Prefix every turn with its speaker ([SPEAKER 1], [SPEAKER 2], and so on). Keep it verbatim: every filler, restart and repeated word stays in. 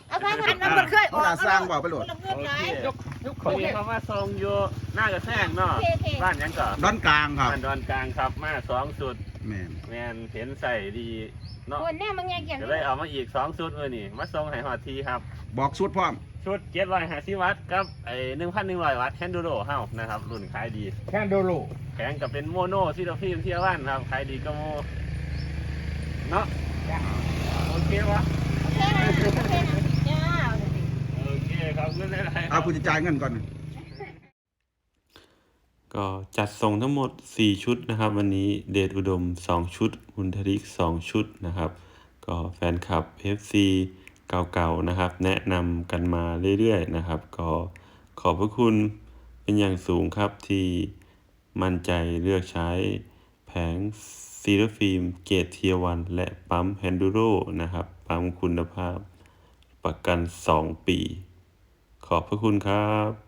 [SPEAKER 1] เอาไปหันมันบ่เคยอ
[SPEAKER 2] เขา
[SPEAKER 1] อก
[SPEAKER 2] ด่าสร้างบอกไปโหลด
[SPEAKER 1] เงินหลาย
[SPEAKER 3] ยกยกคนนี้เขามาทรงอยู่หน้ากระแทกเนาะบ้านยังก่อน
[SPEAKER 2] ดอนกลางครับ
[SPEAKER 3] บ้านดอนกลางครับมาสองสุด
[SPEAKER 2] แม่น
[SPEAKER 3] แมนเห็นใส่ดีเนาะ
[SPEAKER 1] คนแน่มึงยังเกี่ยง
[SPEAKER 3] ก็เลยเอามาอีกสองสุดเลยนี่มาทรงให้หอดทีครับ
[SPEAKER 2] บอกสุดพร้อม
[SPEAKER 3] ชุดเจ็ดร้อยห้าสิบวัตต์กับไอ้หนึ่งพันหนึ่งร้อยวัตต์แคนดูโรเฮ้านะครับรุ่นขายดี
[SPEAKER 4] แค่โดโล
[SPEAKER 3] แข็งกับเป็นโมโนซิโดฟิล์มเทียวันครับขายดีก็โมเนาะโอเควะ
[SPEAKER 1] โอเคนะโอเคนะจ้า
[SPEAKER 3] โอเคครับเงินได้ไร
[SPEAKER 2] เอาคุณจะจ่ายเงินก่อน
[SPEAKER 5] ก็จัดส่งทั้งหมดสี่ชุดนะครับวันนี้เดชอุดมสองชุดบุญทริกสองชุดนะครับก็แฟนคลับ เอฟ ซี เก่าๆนะครับแนะนำกันมาเรื่อยๆนะครับก็ขอบพระคุณเป็นอย่างสูงครับที่มั่นใจเลือกใช้แผงซีรฟิล์มเกรดเทียวันและปั๊มแฮนดูโรนะครับปั๊มคุณภาพประกันสองปีขอบพระคุณครับ